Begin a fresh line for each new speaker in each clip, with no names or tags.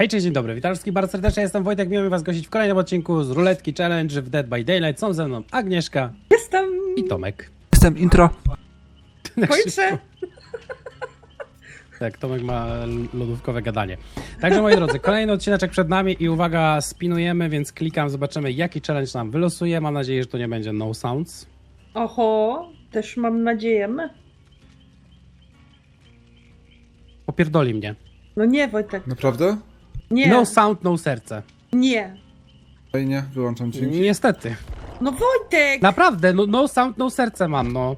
Hej, cześć, dzień dobry, witam wszystkich bardzo serdecznie, jestem Wojtek, miło mi was gościć w kolejnym odcinku z Ruletki Challenge w Dead by Daylight. Są ze mną Agnieszka
Jestem!
i Tomek.
Jestem intro.
Kończę!
Tak, Tomek ma lodówkowe gadanie. Także moi drodzy, kolejny odcineczek przed nami i uwaga, spinujemy, więc klikam, zobaczymy jaki challenge nam wylosuje. Mam nadzieję, że to nie będzie no sounds.
Oho, też mam nadzieję.
Popierdoli mnie.
No nie, Wojtek.
Naprawdę?
Nie,
No sound, no serce.
nie.
Fajnie, wyłączam dźwięki.
Niestety.
No Wojtek!
Naprawdę, no sound, no serce mam, no.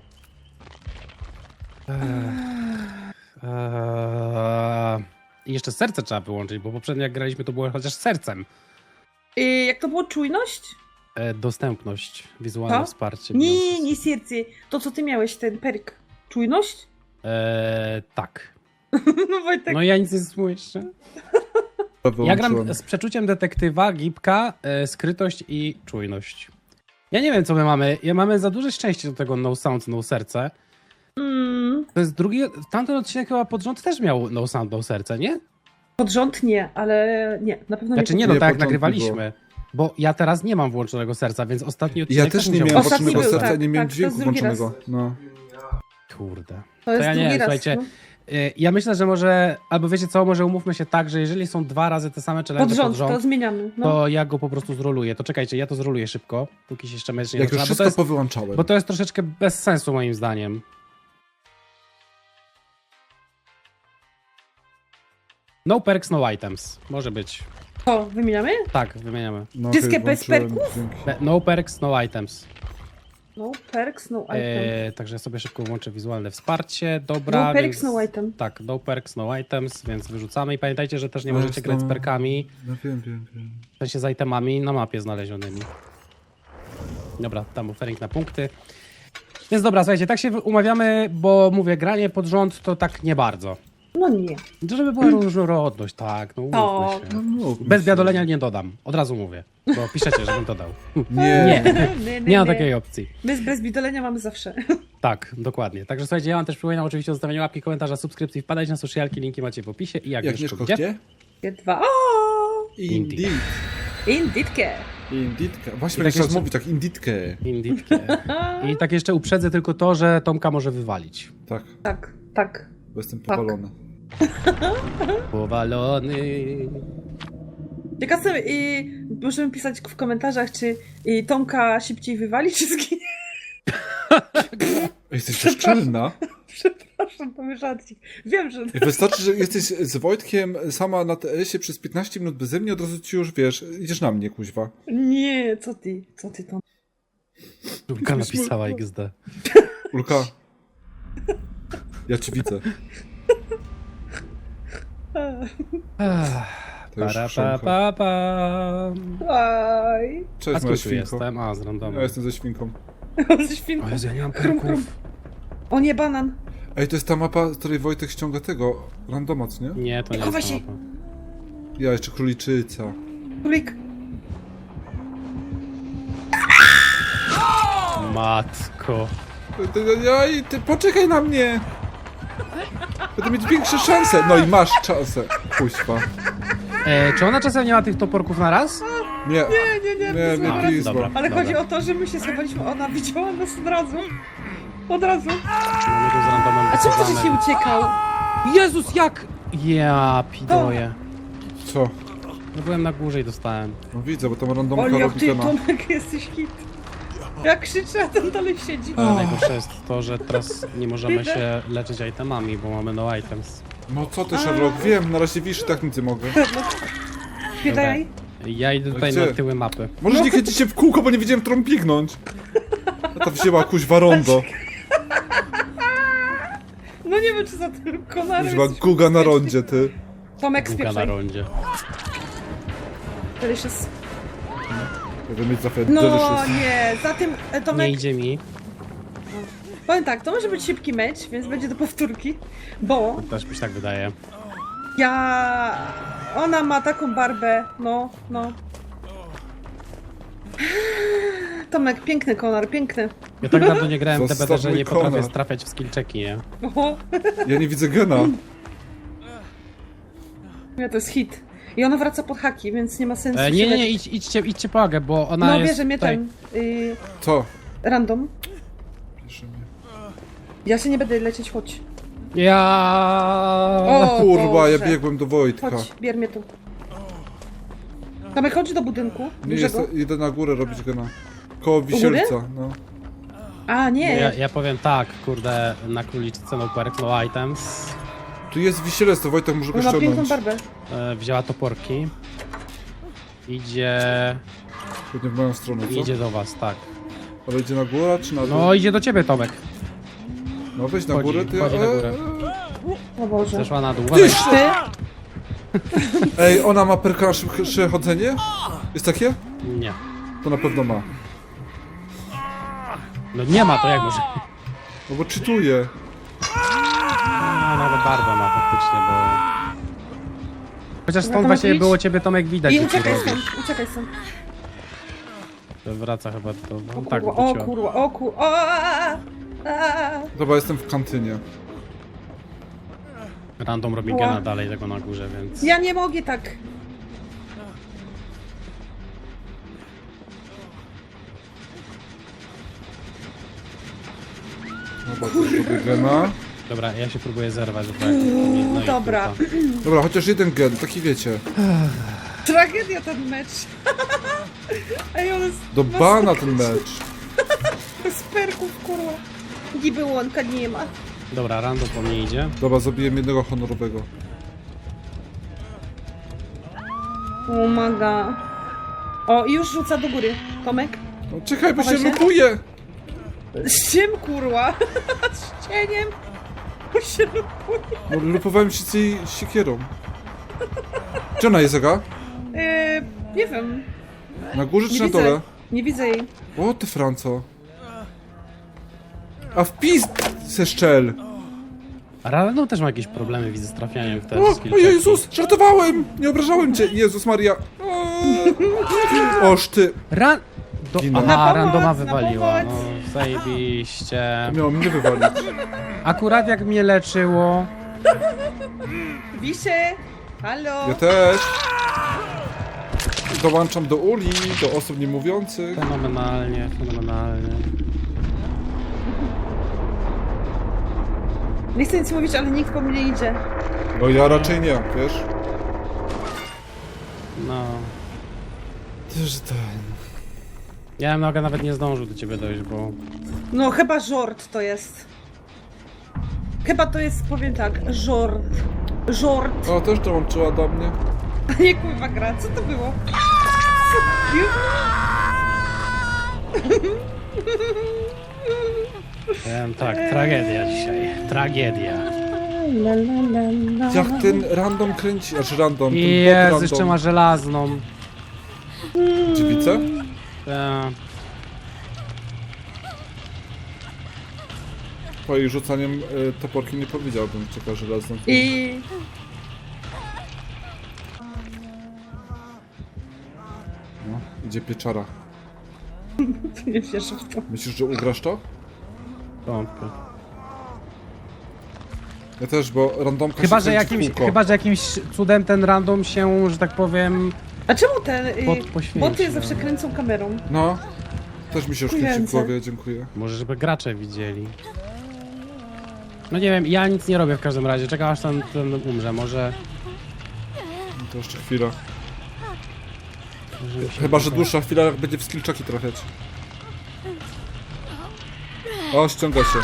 I jeszcze serce trzeba wyłączyć, bo poprzednio jak graliśmy to było chociaż sercem.
Jak to było? Czujność?
Dostępność, wizualne
To?
wsparcie.
Nie, nie serce. To co ty miałeś, ten perk. Czujność?
Tak.
No Wojtek.
No ja nic nie słyszę. Ja gram z przeczuciem detektywa, gipka, skrytość i czujność. Ja nie wiem co my mamy. Mamy za duże szczęście do tego no sound, no serce. To jest drugi. Tamten odcinek chyba pod rząd też miał no sound, no serce, nie?
Pod rząd nie, ale nie, na pewno
Znaczy
nie.
nie, no
Nie,
tak jak
początku
nagrywaliśmy. Bo ja teraz nie mam włączonego serca, więc ostatni odcinek
Ja też nie
musiał
miałem
być.
Ostatni
włączonego
był,
serca,
tak,
nie miałem
tak, to
dźwięku
jest drugi raz.
włączonego. No.
Kurde.
To jest
ja nie
drugi
wiem,
raz.
słuchajcie.
No.
Ja myślę, że może, albo wiecie co, może umówmy się tak, że jeżeli są 2 razy te same challenge
Pod rząd, to zmieniamy. No.
to ja go po prostu zroluję. To czekajcie, ja to zroluję szybko, póki się jeszcze mecz nie
Jak już
zaczyna,
wszystko
bo
powyłączałem.
to jest troszeczkę bez sensu moim zdaniem. No perks, no items. Może być.
To wymieniamy?
Tak, wymieniamy.
No,
wszystkie
okej,
bez
włączyłem
perków?
dźwięki.
No perks, no items.
No perks, no item.
Także sobie szybko włączę wizualne wsparcie. Dobra,
No perks,
więc...
no item.
Tak, no perks, no items, więc wyrzucamy. I pamiętajcie, że też nie
To
możecie
jest
grać z
no-
perkami,
No wiem.
w sensie z itemami na mapie znalezionymi. Dobra, tam offering na punkty. Więc dobra, słuchajcie, tak się umawiamy, bo mówię, granie pod rząd to tak nie bardzo.
No nie.
Żeby była różnorodność, tak, no umówmy się.
No, mów,
Bez
mów.
biadolenia nie dodam, od razu mówię, bo piszecie, żebym dodał.
Nie.
Nie ma takiej opcji.
My bez bidolenia mamy zawsze.
Tak, dokładnie. Także słuchajcie, ja wam też przypominam oczywiście o zostawieniu łapki, komentarza, subskrypcji, wpadajcie na socialki, linki macie w opisie i jak
Agnieszko,
gdzie?
gdzie?
Dwa. O!
Indeed.
Inditkę.
Indeedkę. Właśnie
I tak
jak teraz
jeszcze-
mówi tak, inditkę.
Inditkę. I tak jeszcze uprzedzę tylko to, że Tomka może wywalić.
Tak,
Tak, tak.
bo jestem powalony.
Powalony.
Ciekawe, możemy pisać w komentarzach, czy Tomka szybciej wywali, czy zginie.
Jesteś bezczelna.
Przepraszam, to my żarcik. Wiem, że...
Wystarczy, że jesteś z Wojtkiem sama na TS-ie przez 15 minut beze mnie, od razu ci już wiesz, idziesz na mnie, kuźwa.
Nie, co ty Tom?
Tomka napisała XD.
Ulka. Ja ci widzę. To już
Para, pa,
chrząkam.
pa, pa.
Aj.
A
Cześć,
skąd
moja
tu
świnko.
jestem? A, z randomu.
Ja jestem ze świnką.
Ze świnką.
O Jezu, ja nie mam
Krum,
perków.
krum. O nie, banan.
Ej, to jest ta mapa, z której Wojtek ściąga tego randoma, co nie?
Nie, to nie
Chowaj
jest ta
się.
mapa.
Ja jeszcze króliczyca.
Królik.
Matko.
Ty poczekaj na mnie! Będę mieć większe szanse. No i masz szansę. Kuźwa.
Czy ona czasem nie ma tych toporków na raz?
Nie. Nie,
dobra.
nie, pizba.
Dobra.
Ale chodzi o to, że my się schowaliśmy, ona widziała nas od razu. Od razu.
Mamy tu z randomem
A czemu ty
pokazane.
się uciekał?
Jezus, jak? Ja pidoję.
Co?
No byłem na górze i dostałem.
No widzę, bo tam randomka
O, jak
robi
ty,
tema.
Tomek, jesteś hit. Jak krzyczę, a ten dalej siedzi.
Ale najgorsze jest to, że teraz nie możemy się leczyć itemami, bo mamy no items.
No co ty, Sherlock? Wiem, na razie wisz, tak nic nie mogę.
Pytaj.
Ja idę tutaj
Gdzie?
na tyły mapy.
Możesz nie kręcić się w kółko, bo nie wiedziałem, którą pignąć. A ta wzięła kuźwa rondo.
No nie wiem, czy za tym konarem
Kuźwa
jesteś
guga na
bezpieczny.
rondzie, ty.
Tomek,
Buka na
spieprzaj.
rondzie.
Delicious.
Będę mieć zawsze
No
delicious.
nie, za tym
Nie
Tomek,
idzie mi.
powiem tak, to może być szybki mecz, więc będzie do powtórki, bo
Też mi się tak wydaje.
ona ma taką barbę, no. Tomek, piękny konar, piękny.
Ja tak dawno nie grałem w
Zostaw
DBD, że
mój
nie potrafię
konar.
trafiać w skill checki, nie?
Oho,
Ja nie widzę gena.
ja to jest hit. I ona wraca pod haki, więc nie ma sensu się
Nie,
leczyć.
idźcie po Agę, bo ona
No
jest
bierze mnie
tutaj...
ten...
Co?
random.
Bierze mnie.
Ja się nie będę lecieć, chodź.
Ja.
O,
Kurwa, ja
Boże.
biegłem do Wojtka.
Chodź, bier mnie tu. Tomek, chodź do budynku.
Nie,
dużego.
idę na górę robić gena. Koło Wisielca, no.
A, nie.
Ja powiem tak, kurde, na króliczce no perks, no items.
Tu jest Wisielec, to Wojtek może go
Ona ma piękną
ściągnąć.
barbę.
Wzięła toporki. Idzie...
Pewnie w moją stronę, co?
Idzie do was, tak.
Ale idzie na górę, czy na dół?
No idzie do ciebie, Tomek.
No weź na
Chodzi,
górę, ty...
chodzi na górę.
O Boże.
Zeszła na dół.
Tyś!
Ty?
Ej, ona ma perka na szybsze chodzenie? Jest takie?
Nie.
To na pewno ma.
No nie ma, to jak może?
No bo czytuje.
A, nawet barbę ma faktycznie, bo... Chociaż stąd
to
właśnie
idź.
było ciebie, Tomek, widać,
I
że ty
uciekaj
robisz.
stąd, uciekaj stąd.
To wraca chyba do...
O
No, tak,
kurwa, o
wróciła.
kurwa, o kurwa, o,
Dobra, jestem w kantynie.
Random robi
Ła.
gena dalej tego na górze, więc...
Ja nie mogę tak.
Dobra, to zrobię gena.
Dobra, ja się próbuję zerwać, bo jak... No i
Dobra.
kurwa.
Dobra, chociaż jeden gen, taki wiecie.
Tragedia ten mecz. Ej, on jest...
Do bana ten mecz.
Z perków, kurwa. Niby łąka nie ma.
Dobra, random po mnie idzie.
Dobra, zabiłem jednego honorowego.
O maga. O, i już rzuca do góry. Tomek?
No czekaj, bo się
Chowaj się.
lupuje!
Z czym, kurwa? Z cieniem? Bo się lupuje.
No lupowałem się z jej siekierą. Gdzie ona jest, Aga?
Nie wiem.
Na górze
Nie
czy na
widzę.
dole?
Nie widzę jej.
O ty Franco. A wpis se szczel!
A random też ma jakieś problemy, widzę, z trafianiem w te
O,
skill
o
checki.
Jezus, żartowałem! Nie obrażałem cię! Jezus Maria! Oż ty! Ginę.
Aha,
Na pomoc,
randoma
na
wywaliła.
pomoc.
No, zajebiście.
Miało mnie wywalić.
Akurat jak mnie leczyło...
Wisie! Halo!
Ja też. Dołączam do uli, do osób niemówiących.
Fenomenalnie, fenomenalnie.
Nie chcę nic mówić, ale nikt po mnie idzie.
No ja raczej nie, wiesz?
No.
Też ten...
Ja bym nawet nie zdążył do ciebie dojść, bo...
No chyba żort to jest. Chyba to jest, powiem tak, żort. Żort.
O, też dołączyła do mnie.
A nie kurwa gra, co to było?
Powiem tak, tragedia dzisiaj. Tragedia.
Jak ten random kręci, aż random, ten bot
Jezu,
random.
jeszcze ma żelazną.
Dziewicę? Po jej rzucaniem toporki nie powiedziałbym, czeka żelazną.
I...
No, idzie pieczara.
Nie wierzę w to.
Myślisz, że ugrasz to?
Wątpię.
Ja też, bo randomka
Chyba,
się
że
kręci w
jakimś,
kółko.
chyba, że jakimś cudem ten random się, że tak powiem...
A czemu te
Poświęci,
boty
no.
zawsze kręcą kamerą?
No. Też mi się już kręci w
Dziękujące.
głowie, dziękuję.
Może żeby gracze widzieli. No nie wiem, ja nic nie robię w każdym razie. Czekam aż ten umrze, może...
No to jeszcze chwila.
może mi się
Chyba, że
uda.
dłuższa chwila, jak będzie w skillczaki trafiać. O, ściąga się.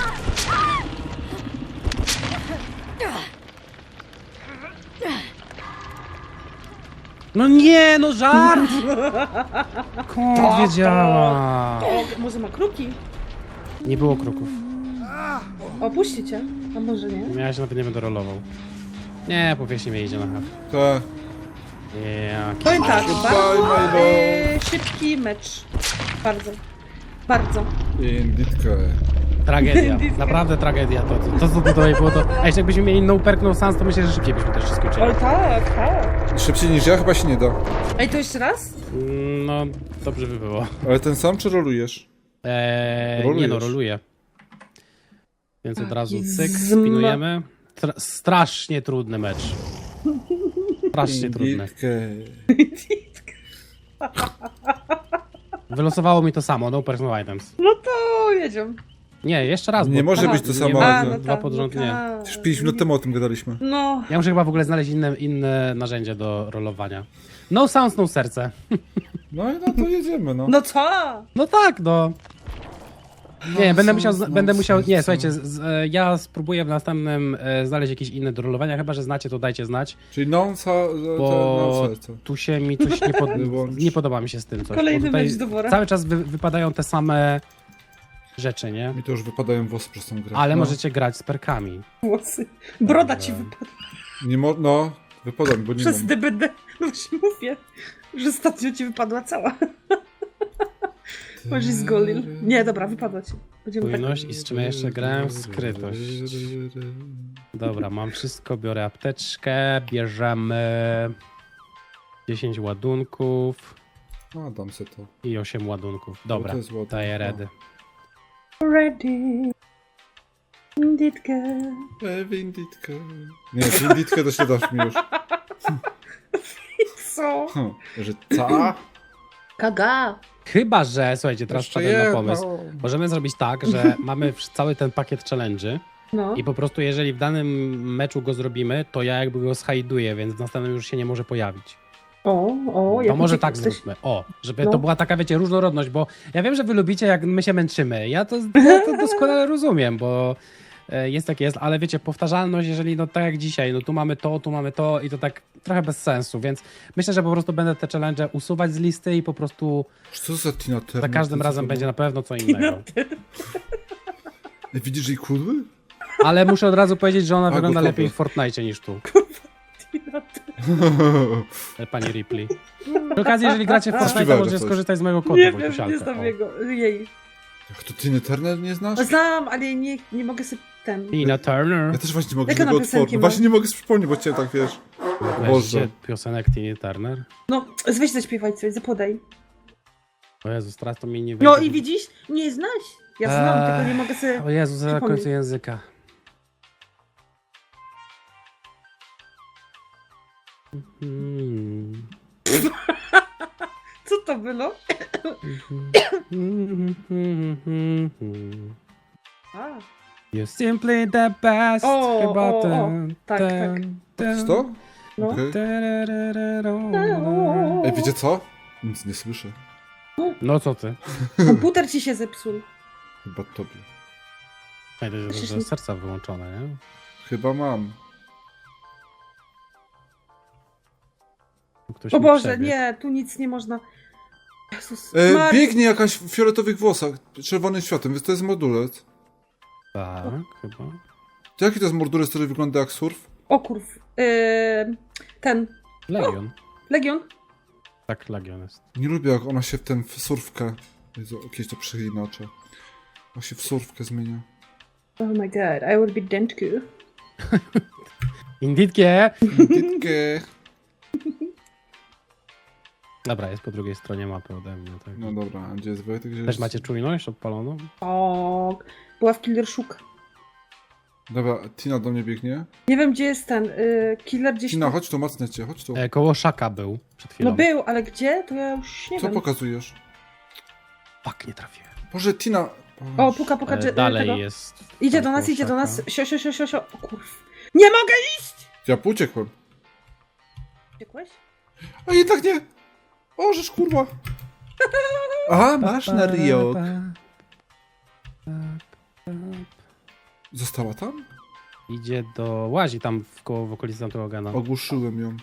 No nie, no żart! Skąd wiedziała?
O, może ma kruki?
Nie było kruków.
Opuści cię. A może nie?
Ja się nawet nie będę rolował. Nie, powieśnie mnie idzie na hak.
Te.
Ja.
Powiem tak,
Goodbye,
bardzo
Milo.
szybki mecz. Bardzo. Bardzo.
Inditkę.
Tragedia. Naprawdę tragedia. To co tutaj było to... A jeszcze jakbyśmy mieli no perk, no sans, to myślę, że szybciej byśmy też się skończyli.
Oj tak, tak.
Szybciej niż ja chyba się nie da.
Ej, to jeszcze raz?
No, dobrze by było.
Ale ten sam czy rolujesz?
Nie
Rolujesz.
no, roluję. Więc od razu
Taki
cyk,
zma-
spinujemy. Strasznie trudny mecz. Strasznie trudne.
Inditkę.
Wylosowało mi to samo, no personal items.
No to jedziemy.
Nie, jeszcze raz.
Nie
bo-
może
Aha,
być to
nie
samo.
ma-
No,
dwa pod rząd, nie.
tak.
Już 5 minut temu o tym gadaliśmy.
No,
Ja muszę chyba w ogóle znaleźć inne narzędzie do rolowania. No sounds, no serce.
No to jedziemy, no.
no co?
No tak, no. Nie, będę musiał,
sounds, no
będę musiał, nie,
serce.
słuchajcie, ja spróbuję w następnym znaleźć jakieś inne do rolowania, chyba że znacie, to dajcie znać,
Czyli
bo
serce.
tu się mi coś
Wyłącz.
nie podoba mi się z tym coś.
Kolejny
bo tutaj
mecz do wora.
cały czas wypadają te same rzeczy, nie?
Mi to już wypadają włosy przez tą grę.
Ale
no.
możecie grać z perkami.
Włosy. Broda
Dobra.
ci wypadła
No, wypada mi, bo nie
przez
mam.
DBD. No właśnie mówię, że ostatnio ci wypadła cała. Może zgolil. Nie, dobra, wypadła ci. Będziemy tak...
Czujność i z czym ja jeszcze grałem? W skrytość. Dobra, mam wszystko, biorę apteczkę, bierzemy 10 ładunków
A, dam se to.
i 8 ładunków. Dobra,
to jest ładne.
daję ready.
Ready. Inditkę.
Winditkę. Nie, winditkę to się dasz mi już.
Co?
Że ca?
Kaga.
Chyba, że, słuchajcie, teraz
Jeszcze
wpadłem na
jedno.
pomysł. Możemy zrobić tak, że mamy cały ten pakiet challenge'y
No.
i po prostu jeżeli w danym meczu go zrobimy, to ja jakby go schajduję, więc w następnym już się nie może pojawić.
O,
To może
uciekł
tak
jesteś.
zróbmy. O, żeby
No.
to była taka, wiecie, różnorodność, bo ja wiem, że wy lubicie, jak my się męczymy. Ja to doskonale rozumiem, bo jest jak jest, ale wiecie, powtarzalność, jeżeli no tak jak dzisiaj, no tu mamy to i to tak trochę bez sensu, więc myślę, że po prostu będę te challenge usuwać z listy i po prostu
Co za Tina Turner?
za każdym razem będzie na pewno co innego.
Ej, widzisz jej kudły?
Ale muszę od razu powiedzieć, że ona
A,
wygląda
gotowe.
lepiej w Fortnite niż tu. Pani Ripley. Przy okazji, jeżeli gracie w Fortnite,
Śpiewaj
możecie
coś.
skorzystać z mojego kodu
Nie wiem,
Wojtusialka.
nie znam
O.
jego. Jej.
Jak to Tina Turner nie znasz?
Znam, ale nie mogę sobie ten...
Tina Turner.
Ja też właśnie nie mogę
Jakie
tego
ona piosenki
otworzyć.
ma?
Właśnie nie mogę sobie przypomnieć, bo cię tak wiesz.
Weźcie
Boże.
piosenek Tiny Turner.
No, weź zaśpiewaj coś, zapodaj.
O Jezus, teraz to mi nie wyjdzie.
No i widzisz? Nie znasz. Ja znam,
Eee,
tylko nie mogę sobie...
O Jezus, za
przypomnieć.
końcu języka. Hmm.
Co to było? A,
You're simply the best.
O,
Chyba
o, o.
ten,
Tak,
ten, ten.
Co?
no.
Okej.
Tararararara.
Ej, wiecie co? Nic nie słyszę.
No co ty?
Komputer ci się zepsuł.
Chyba tobie.
Pamiętaj, że serca wyłączone, nie?
Chyba mam.
Ktoś
O
mi
Boże,
przebiegł.
nie, tu nic nie można. Jezus,
Biegnie jakaś w fioletowych włosach, czerwonym światłem, więc to jest mordulec.
Tak, chyba.
To jaki to jest mordulec, który wygląda jak surf?
O kurw. Ten.
Legion.
Legion?
Tak, Legion jest.
Nie lubię, jak ona się w surfkę... Jezu, jakieś to przeinaczę. Ona się w surfkę zmienia.
Oh my god, I will be Dentku.
Inditkie!
Ditkę.
Dobra, jest po drugiej stronie mapy ode mnie. Tak.
No dobra, a gdzie jest Wojtek? Gdzie
Też
jest...
macie czujność odpaloną?
O, była w Killer Shook.
Dobra, Tina do mnie biegnie.
Nie wiem, gdzie jest ten killer gdzieś
Tina,
tu.
chodź tu, macnę cię, chodź tu.
Koło Szaka był przed chwilą.
No był, ale gdzie? To ja już nie
Co
wiem.
pokazujesz?
Fuck, nie trafiłem.
Boże, Tina...
O, puka,
Dalej
tego.
jest.
Idzie
tam
do nas,
koło
idzie do
Szaka.
nas. Sio. O kurw. Nie mogę iść!
Ja uciekłem.
Uciekłeś?
A jednak nie! O, żeż kurwa! Aha, masz na Rio. Została tam?
Idzie do... Łazi tam w okolicy tamtego gana.
Ogłuszyłem ją.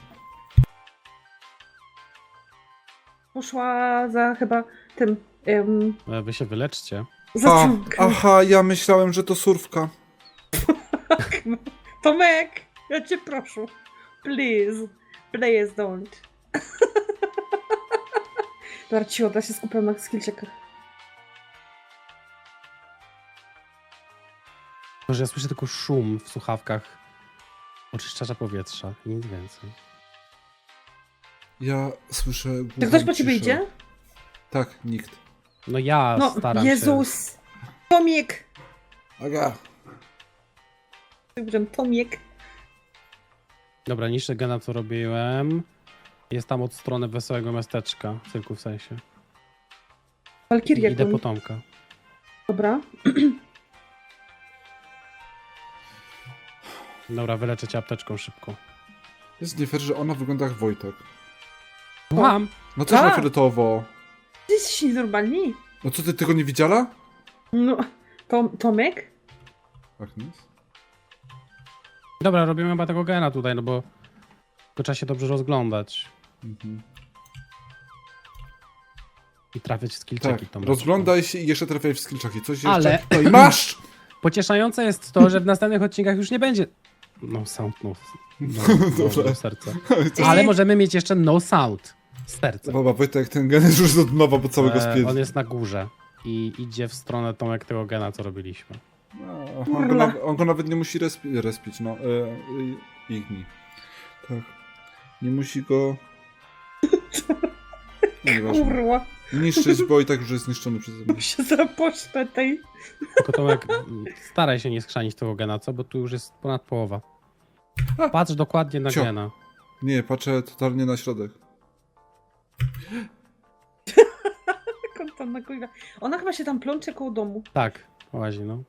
Poszła za chyba tym...
Wy się wyleczcie.
za
A,
tym-
aha, ja myślałem, że to surfka.
Tomek, ja cię proszę. Please. Please don't. Dobra, cicho, ja się skupiam na skillczekach.
Może ja słyszę tylko szum w słuchawkach oczyszczacza powietrza i nic więcej.
Ja słyszę
Czy
głuchą
ktoś po ciebie
ciszę.
idzie?
Tak, nikt.
No ja
No,
staram się...
Jezus. Tomiek.
Aga.
Tomiek.
Dobra, niższy gena co robiłem. Jest tam od strony Wesołego Miasteczka, cyrku w sensie.
Walkirię
Idę
goni.
po Tomka.
Dobra.
Dobra, wyleczę cię apteczką szybko.
Jest nie fair, że ona wygląda jak Wojtek.
Mam!
No też na
A!
fioletowo.
Ty jesteś nienormalni.
No co, ty tego nie widziała?
No, Tomek?
Agnes?
Dobra, robimy chyba tego gena tutaj, no bo tylko trzeba się dobrze rozglądać
Mhm.
i trafiać w
Tak,
skillczeki.
rozglądaj się i jeszcze trafiaj w skillczaki. Coś jeszcze?
Ale-
No i masz!
Pocieszające jest to, że w następnych odcinkach już nie będzie no sound,
Dobrze.
no serce. Ale możemy mieć jeszcze no sound serce.
Baba, Wojtek, ten gen jest już od nowa, bo całego spięć.
On jest na górze i idzie w stronę Tomek tego gena, co robiliśmy.
No,
Kurwa.
on go nawet nie musi respić, no. Igni. Tak. Nie musi go... No, nieważne.
Kurwa.
Niszczyć, bo i tak już jest zniszczony przeze mnie.
Się zapocztę tej.
Tylko Tomek, staraj się nie skrzanić tego gena, co? Bo tu już jest ponad połowa. Patrz dokładnie na
Cio.
gena.
Nie, patrzę totalnie na środek.
Jak on tam na kurwa. Ona chyba się tam plącze koło domu.
Tak, łazi, no.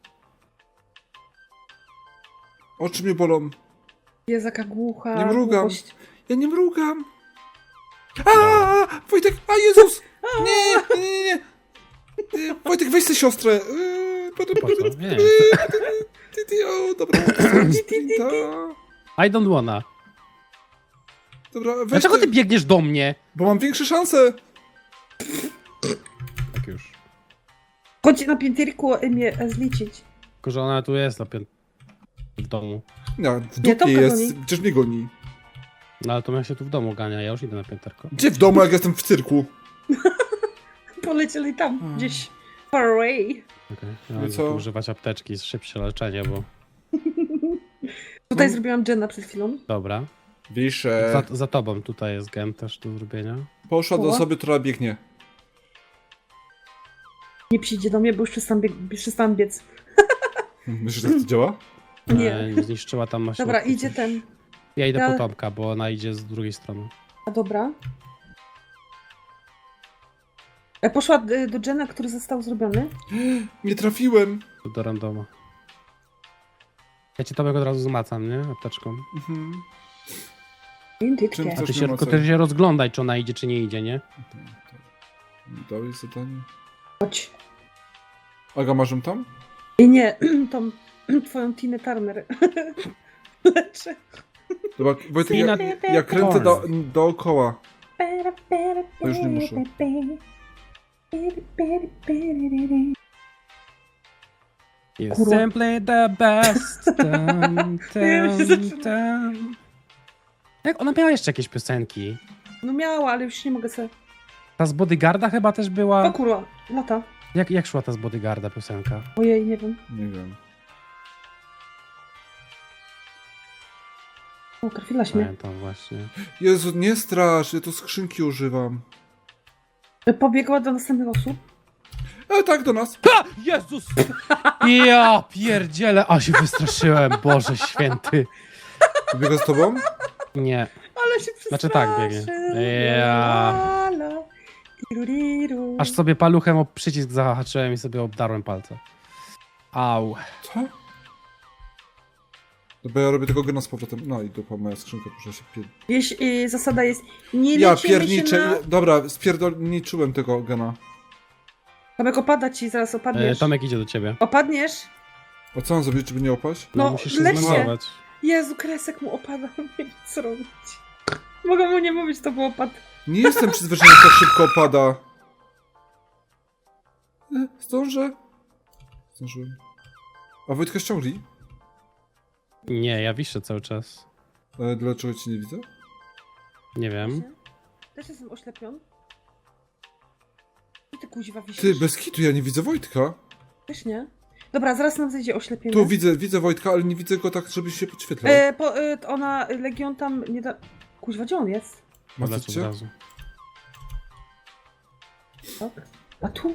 Oczy mnie bolą.
Jest jaka głucha.
Nie mrugam.
głuchość.
Ja nie mrugam. A, Wojtek, a Jezus! Nie, nie, nie, nie. Wojtek, weź tę siostrę.
Po co? Nie.
O, dobra. Sprinta.
I don't wanna.
Dobra, weź
Dlaczego ty biegniesz do mnie?
Bo mam większe szanse.
Tak już.
Chodź na piętierku mnie zliczyć.
Tylko, że ona tu jest w domu.
Nie, w
Nie,
dupie
Tomka
jest.
goni.
Przecież mnie goni.
No ale to ja się tu w domu gania, ja już idę na pięterko.
Gdzie w domu, jak jestem w cyrku?
Polecieli tam gdzieś. Far away.
Okay. Ja
No
będę
co?
tu używać apteczki, szybsze leczenie, bo...
Tutaj
No.
zrobiłam Jenna przed chwilą.
Dobra.
Wiszę.
Za tobą tutaj jest gen też do zrobienia.
Poszła do
Koła?
osoby, która biegnie.
Nie przyjdzie do mnie, bo już przestałam biec.
Myślisz, że tak to działa?
Nie.
Zniszczyła tam na
Dobra,
środku
idzie
coś.
ten.
Ja idę
Ja-
po Tomka, bo ona idzie z drugiej strony.
A dobra. Poszła do Jenna, który został zrobiony.
Nie trafiłem.
Tu do randoma. Ja cię Tomek od razu zmacam, nie? Apteczką.
Mhm.
Indyczkę.
Czym
A
chcesz?
ty
nie
się,
ma
tylko
co.
ty się rozglądaj, czy ona idzie, czy nie idzie, nie?
Dałeś zadanie.
Chodź.
Aga, masz ją tam?
I nie, tą twoją Tinę Turner. Leczę.
Dobra, Wojtek, ja kręcę dookoła. To już nie muszę.
You
Kurwa.
simply the best. Dun,
Ja się
dun,
zaczynam.
dun. Jak ona miała jeszcze jakieś piosenki?
No miała, ale już nie mogę sobie.
Ta z Bodyguarda chyba też
O
była.
kurwa, lata.
Jak szła ta z Bodyguarda piosenka?
Ojej, nie wiem.
Nie wiem.
O, trafiłaś mnie.
Pamiętam właśnie.
Jezu, nie strasz, ja tu skrzynki używam.
Pobiegła do następnych osób.
Tak, do nas.
Ha! Jezus! Ja pierdzielę, a się wystraszyłem, Boże święty.
Biega z tobą?
Nie.
Ale się przestraszy.
Znaczy tak, biegnie. Ja.
Tiruriru.
Aż sobie paluchem o przycisk zahaczyłem i sobie obdarłem palce. Au.
Co? Dobra, ja robię tego gena z powrotem. No i dupa, moja skrzynka proszę się
Zasada jest nie
Ja
lecimy się
pierniczę.
na...
Dobra, spierdolniczyłem tego gena.
Tomek, opada ci, zaraz opadniesz.
Tomek idzie do ciebie.
Opadniesz?
A co mam zrobić, żeby nie opaść?
No,
No,
musisz się
leć się.
zmanować.
Jezu, kresek mu opada, nie wiem co robić. Mogę mu nie mówić, to był opad.
Nie jestem przyzwyczajony, jak tak szybko opada. Zdążę? Zdążyłem. A Wojtka ściągli?
Nie, ja wiszę cały czas.
Dlaczego cię nie widzę?
Nie wiem.
Też jestem oślepiony. I ty kuźwa wisisz.
Ty, bez kitu, ja nie widzę Wojtka.
Też nie? Dobra, zaraz nam zejdzie oślepienie.
Tu widzę Wojtka, ale nie widzę go tak, żeby się podświetlał.
Ona, Legion tam nie da... Kuźwa, gdzie on jest?
Lecę od
Macie?
razu.
Tak. A tu?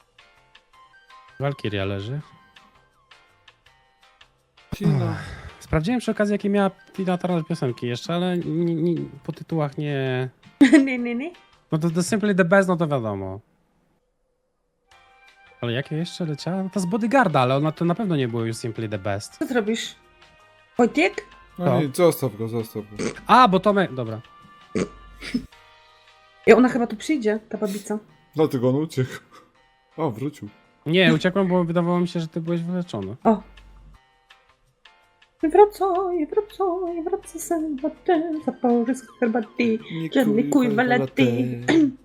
Walkiria leży.
Cina.
Sprawdziłem przy okazji, jakie miała Tina Turner piosenki jeszcze, ale po tytułach nie...
Nie.
No to The Simply the Best, no to wiadomo. Ale jakie jeszcze leciała? No to z Bodyguarda, ale ona to na pewno nie było już Simply the Best.
Co ty robisz? Wojtek?
No nie, zostaw go.
A, bo Tomek... Dobra.
I ona chyba tu przyjdzie, ta babica.
Dlatego on uciekł. O, wrócił.
Nie, uciekłem, bo wydawało mi się, że ty byłeś wyleczony.
O. Wracaj, herbaty, zapory z herbaty, żadnej kuj laty.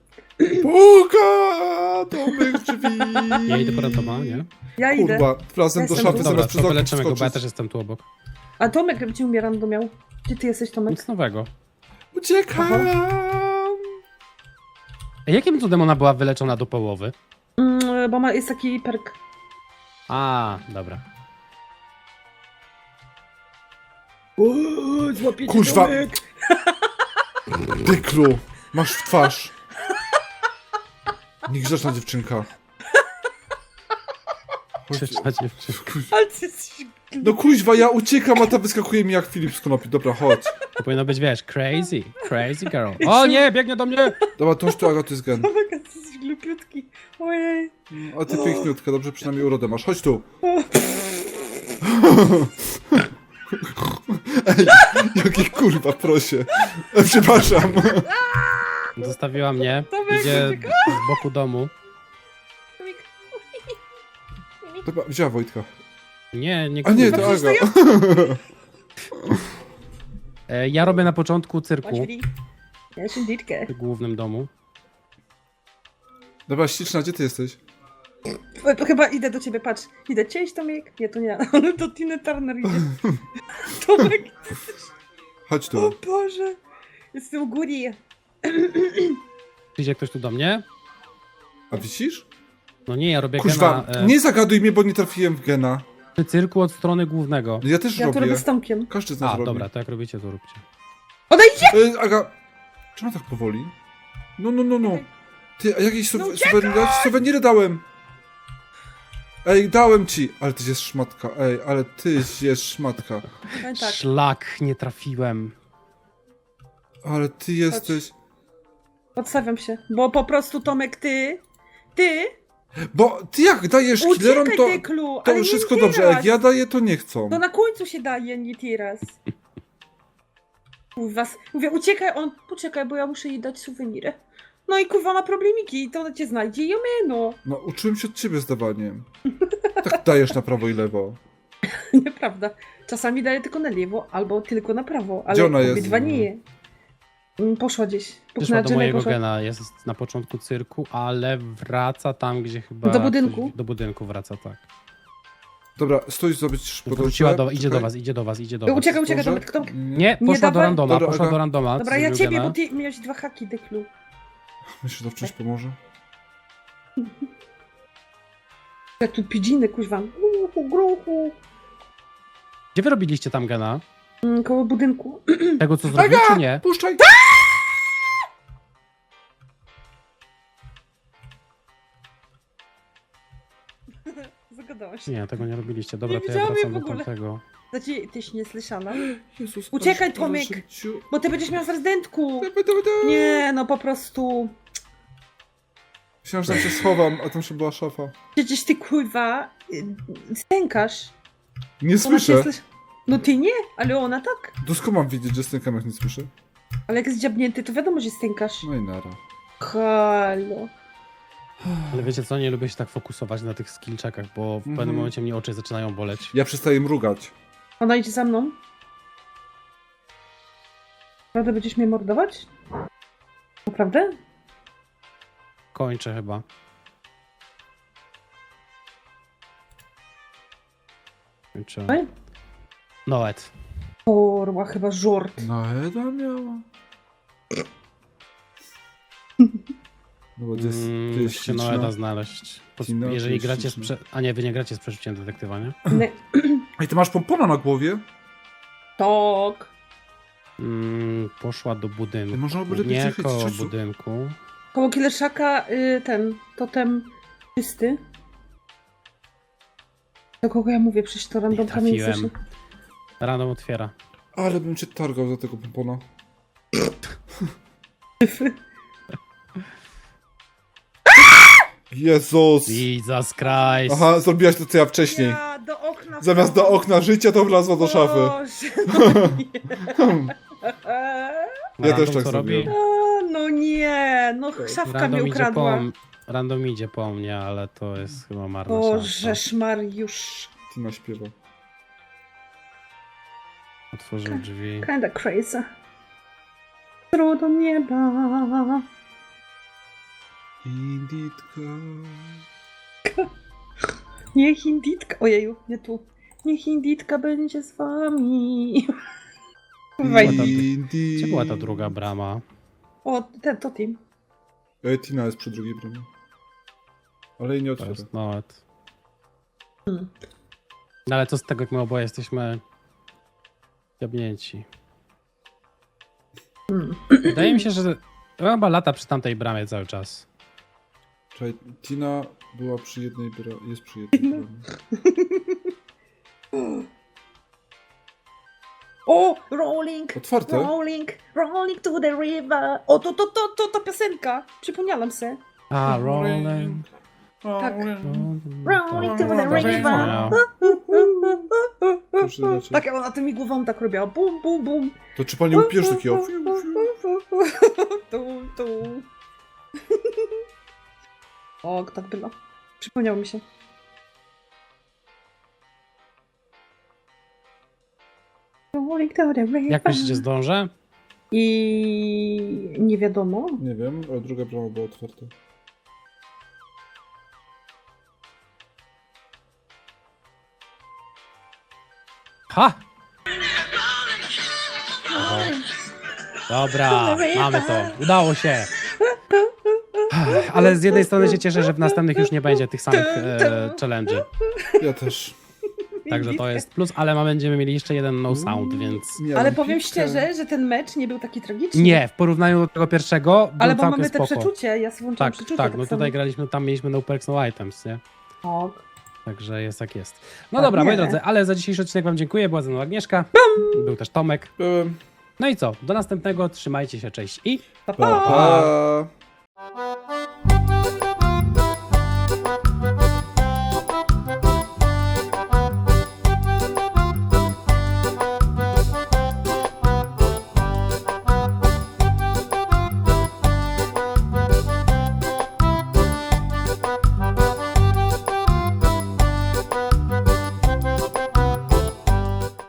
Puka! Tomek drzwi!
Ja idę po Rantoma, nie?
Ja idę.
Kurwa, razem do
Jestem
szafy
tu.
Dobra,
zamiast przez
to
okno
wyleczymy go, bo ja
wskoczyć.
też jestem tu obok.
A Tomek gdzie umiera miał? Gdzie ty jesteś, Tomek?
Nic nowego.
Uciekam!
A jakim cudem ona była wyleczona do połowy?
Bo jest taki perk.
A, dobra.
Złapiecie
Kurwa.
Tomek.
Dyklu, masz w twarz. Niegrzeczna dziewczynka. Chodź.
Grzeczna dziewczyna.
Ale ty jesteś...
No kuźwa, ja uciekam, a ta wyskakuje mi jak Filip z konopi. Dobra, chodź.
To powinno być, wiesz, crazy girl. O nie, biegnie do mnie!
Dobra, to już tu Agaty jest gen.
Tomek, ty jesteś glupiutki. Ojej.
A ty piękniutka, dobrze przynajmniej urodę masz. Chodź tu. Ej, jaki kurwa, prosie. Przepraszam.
Zostawiła mnie,
Tomek,
idzie z boku domu.
Tomek.
Dobra, wzięła Wojtka.
Nie, nie
A nie,
kurwa.
to Aga.
Ja robię na początku
Chodź,
cyrku
Willy. Ja się ditkę.
w głównym domu.
Dobra, śliczna, gdzie ty jesteś?
To chyba idę do ciebie, patrz. Idę, cześć Tomek. Nie, to nie, ale do Tiny Turner idzie. Tomek,
Chodź
o
tu.
Boże. Jestem u góry.
Idzie ktoś tu do mnie?
A wisisz?
No nie, ja robię
Kuźwa,
gena
nie zagaduj mnie, bo nie trafiłem w gena.
przy cyrku od strony głównego.
Ja też
Ja to
robię.
robię z Tomkiem.
Każdy z nas
A,
robi.
dobra, to jak robicie, to róbcie.
Odejdźcie!
Aga, czemu tak powoli? No. Ty, a jakieś
No
suweniry dałem. Ej, dałem ci. Ale ty jest szmatka. Ej, ale ty jest szmatka.
No i tak.
Szlak, nie trafiłem.
Ale ty jesteś...
Odstawiam się. Bo po prostu Tomek, ty...
Bo ty jak dajesz killerom,
Uciekaj,
to,
Dyklu,
to
ale
wszystko
nie
dobrze. A
teraz.
jak ja daję, to nie chcą.
To na końcu się daje, nie teraz. Kurwa, mówię, uciekaj, on, poczekaj, bo ja muszę jej dać suwenirę. No i kurwa ma problemiki, i to ona cię znajdzie i no.
No, uczyłem się od ciebie zdawaniem. Tak dajesz na prawo i lewo.
Nieprawda. Czasami daje tylko na lewo, albo tylko na prawo, ale
Gdzie ona jest?
obydwa nie. Poszła gdzieś.
Wyszła do mojego
poszła.
gena, jest na początku cyrku, ale wraca tam, gdzie chyba...
Do budynku?
Do budynku wraca, tak.
Dobra, stój zrobić
Wróciła idzie do was, idzie do was.
Uciekaj, Tomek, kto...
Nie, poszła do
dawaj.
randoma,
Dobra,
poszła
Aga.
do randoma.
Dobra,
z
ja
mojego
ciebie,
gena.
bo ty miałeś 2 haki, Dyklu.
Myślę, że to wciąż pomoże.
Jak tu pidziny, kuźwa. Gruchu.
Gdzie wy robiliście tam gena?
Koło budynku.
Tego, co zrobił, czy nie?
Puszczaj!
Zagadałaś się.
Nie, tego nie robiliście. Dobra,
Nie
to ja
widziałam jej
wracam
w
do
ogóle.
tamtego.
Znaczy, tyś nie słyszana.
Jezus,
Uciekaj,
proszę,
Tomek.
proszę cię.
Bo ty będziesz miał w rezydentku.
Dobra.
Nie, no po prostu.
Myślałem, że tam się schowam, a tam się była szafa.
Przecież ty kurwa stękasz.
Nie
Ona cię
słyszę.
No ty nie, ale ona tak.
Skąd mam wiedzieć, że stękam, jak nie słyszę?
Ale jak jest dziabnięty, to wiadomo, że stękasz.
No i nara.
Halo.
Ale wiecie co, nie lubię się tak fokusować na tych skillczekach, bo w pewnym momencie mnie oczy zaczynają boleć.
Ja przestaję mrugać.
Ona idzie za mną. Naprawdę będziesz mnie mordować? Naprawdę?
Kończę chyba. Kończę.
Oj.
Noet.
Kurwa, chyba żort.
No, Eda miała. No bo to jest, to jest
Musicie Noeda znaleźć.
Tina, to
Jeżeli
jest
gracie z
śliczna.
A nie, wy nie gracie z przerzuciem detektywa, nie?
Nie.
Ej, ty masz pompona na głowie?
Tok.
Poszła do budynku.
Można by lepiej
Nie
zachęcić
koło
czasu.
budynku.
Koło Killerszaka ten totem czysty. Do kogo ja mówię? Przecież to randomka nie
trafiłem.
słyszy.
Random otwiera.
Ale bym cię targał za tego pompona. Jezus!
Jesus Christ.
Aha, zrobiłaś to co ja wcześniej.
Ja do okna.
Zamiast do okna życia to wlazła do szafy.
Boże, no nie.
Ja też
Random
tak
co
zrobiłem.
No nie, no szafka mi ukradła.
Random idzie po mnie, ale to jest chyba marna
Boże,
szansa.
Mariusz.
Tina śpiewa.
Otworzył drzwi.
Kinda crazy. Through do nieba.
Inditka.
Niech Inditka. Ojeju, nie tu. Niech Inditka będzie z wami. Wejdź.
Indi...
Gdzie była ta druga brama?
O, to team.
Tina jest przy drugiej bramie. Ale jej nie
To
otwiera.
jest nawet. No ale co z tego, jak my oboje jesteśmy jabnięci. Wydaje mi się, że chyba lata przy tamtej bramie cały czas.
Czekaj, Tina była przy jednej bramie. Jest przy jednej bramie.
O, rolling.
Otwarte?
Rolling to the river. O, to piosenka. Przypomniałam se.
A, rolling.
Tak.
Rolling
to the river.
Proszę zobaczyć.
Tak, ona tymi głową tak robiła. Bum, bum, bum.
To czy pani upiesz takiego?
Tu. O, tak było. Przypomniało mi się. Rolling to the river.
Jak myślicie, zdążę?
I nie wiadomo.
Nie wiem, ale druga brama była otwarta.
Ha! Dobra, mamy to. Udało się. Ale z jednej strony się cieszę, że w następnych już nie będzie tych samych challenge'y.
Ja też.
Także to jest plus, ale będziemy mieli jeszcze jeden no sound, więc...
Miałem
Ale powiem
piłkę.
szczerze, że ten mecz nie był taki tragiczny.
Nie, w porównaniu do tego pierwszego był
Ale bo
całkiem
mamy te
spoko.
przeczucie, ja sobie włączyłam
Tak,
przeczucie.
tak, no
samo.
tutaj graliśmy, tam mieliśmy no perks, no items, nie?
Tak.
Także jest jak jest. No
Tak,
dobra, moi
nie.
drodzy, ale za dzisiejszy odcinek wam dziękuję, była ze mną Agnieszka, był też Tomek.
Byłem.
No i co, do następnego, trzymajcie się, cześć i...
Pa,
Pa, pa.